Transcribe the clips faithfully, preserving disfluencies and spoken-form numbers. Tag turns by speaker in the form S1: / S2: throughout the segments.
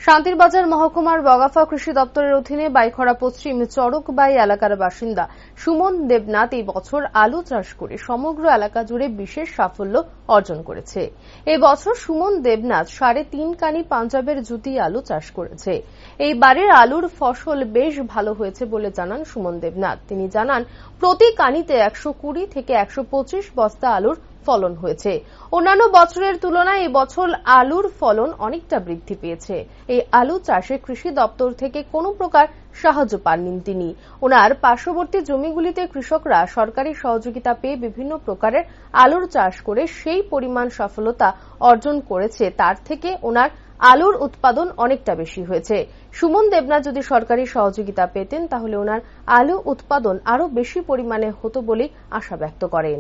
S1: শান্তিরবাজার মহকুমার বগাফা কৃষি দপ্তরের অধীনে বাইখরা পশ্চিম চরকবাই এলাকার বাসিন্দা সুমন দেবনাথ এই বছর আলু চাষ করে সমগ্র এলাকা জুড়ে বিশেষ সাফল্য অর্জন করেছে। এই বছর সুমন দেবনাথ সাড়ে তিন কানি পাঞ্জাবের জুতি আলু চাষ করেছে। এই বারের আলুর ফসল বেশ ভালো হয়েছে বলে জানান সুমন দেবনাথ। তিনি জানান, প্রতি কানিতে একশো কুড়ি থেকে একশো পঁচিশ বস্তা আলুর ফলন হয়েছে। অন্যান্য বছরের তুলনায় এই বছর আলুর ফলন অনেকটা বৃদ্ধি পেয়েছে। এই আলু চাষে কৃষি দপ্তর থেকে কোনো প্রকার সাহায্য পাননি তিনি। ওনার পার্শ্ববর্তী জমিগুলিতে কৃষকরা সরকারি সহযোগিতা পেয়ে বিভিন্ন প্রকারের আলুর চাষ করে সেই পরিমাণ সফলতা অর্জন করেছে, তার থেকে ওনার আলুর উৎপাদন অনেকটা বেশি হয়েছে। সুমন দেবনাথ যদি সরকারি সহযোগিতা পেতেন তাহলে ওনার আলু উৎপাদন আরো বেশি পরিমাণে হতো বলে আশা ব্যক্ত করেন।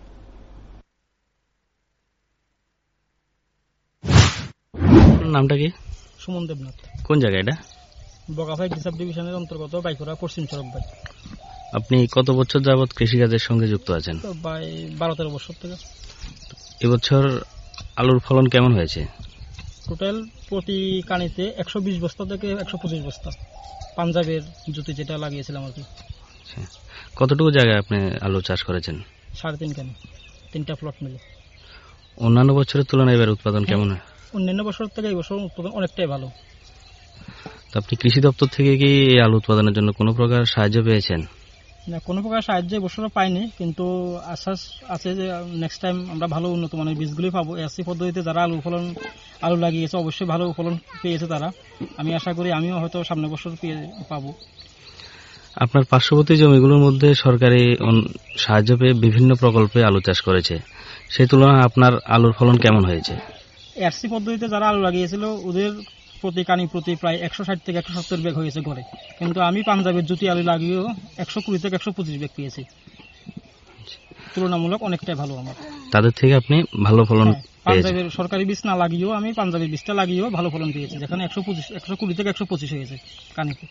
S2: নামটা কি?
S3: সুমন দেবনাথ।
S2: কোন জায়গা এটা?
S3: বগাফা সাব ডিভিশনের অন্তর্গত বাইখরা পশ্চিম চরকবাই।
S2: আপনি কত বছর যাবৎ কৃষিকাজের সঙ্গে যুক্ত আছেন?
S3: বারো তেরো বছর থেকে।
S2: এবছর আলুর ফলন কেমন হয়েছে?
S3: টোটাল প্রতি কানিতে একশো বিশ বস্তা থেকে একশো পঁচিশ বস্তা পাঞ্জাবের জুতি যেটা লাগিয়েছিলাম আর কি।
S2: কতটুকু জায়গায় আপনি আলু চাষ করেছেন?
S3: সাড়ে তিন কানি, তিনটা প্লট মিলে।
S2: অন্যান্য বছরের তুলনায় এবার উৎপাদন কেমন?
S3: অন্যান্য বছর থেকে এই বছর উৎপাদন অনেকটাই ভালো।
S2: তো আপনি কৃষি দপ্তর থেকে কি এই আলু উৎপাদনের জন্য কোনো প্রকার সাহায্য পেয়েছেন?
S3: না, কোনো প্রকার সাহায্য এবছর পাইনি, কিন্তু আশ্বাস আছে যে নেক্সট টাইম আমরা ভালো উন্নত মানের বীজগুলি পাবো। এসি পদ্ধতিতে যারা আলু ফলন আলু লাগিয়েছে অবশ্যই ভালো ফলন পেয়েছে তারা। আমি আশা করি আমিও হয়তো সামনের বছর পেয়ে পাবো।
S2: আপনার পার্শ্ববর্তী জমিগুলোর মধ্যে সরকারি সাহায্য পেয়ে বিভিন্ন প্রকল্পে আলু চাষ করেছে, সেই তুলনায় আপনার আলুর ফলন কেমন হয়েছে?
S3: এসি পদ্ধতিতে যারা আলু লাগিয়েছিল ওদের প্রতি কানি প্রতি প্রায় একশো ষাট থেকে একশো সত্তর ব্যাগ হয়েছে ঘরে, কিন্তু আমি পাঞ্জাবের জুতি আলু লাগিয়েও একশো কুড়ি থেকে একশো পঁচিশ ব্যাগ পেয়েছি। তুলনামূলক অনেকটাই ভালো আমার।
S2: তাদের থেকে আপনি ভালো ফলন?
S3: পাঞ্জাবের সরকারি বীজ না লাগিয়েও আমি পাঞ্জাবের বীজটা লাগিয়েও ভালো ফলন পেয়েছি, যেখানে একশো পঁচিশ একশো কুড়ি থেকে একশো পঁচিশ হয়েছে কানিতে।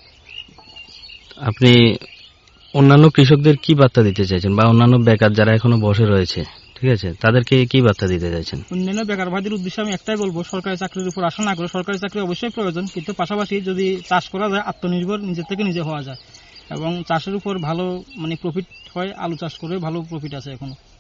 S2: আপনি অন্যান্য কৃষকদের কি বার্তা দিতে চাইছেন, বা অন্যান্য বেকার যারা এখনো বসে রয়েছে, ঠিক আছে, তাদেরকে কি বার্তা দিতে চাইছেন?
S3: অন্যান্য বেকার ভাইদের উদ্দেশ্যে আমি একটাই বলবো, সরকারি চাকরির উপর আশা না করে, সরকারি চাকরি অবশ্যই প্রয়োজন, কিন্তু পাশাপাশি যদি চাষ করা যায় আত্মনির্ভর নিজের থেকে নিজে হওয়া যায় এবং চাষের উপর ভালো মানে প্রফিট হয়, আলু চাষ করে ভালো প্রফিট আছে এখনো।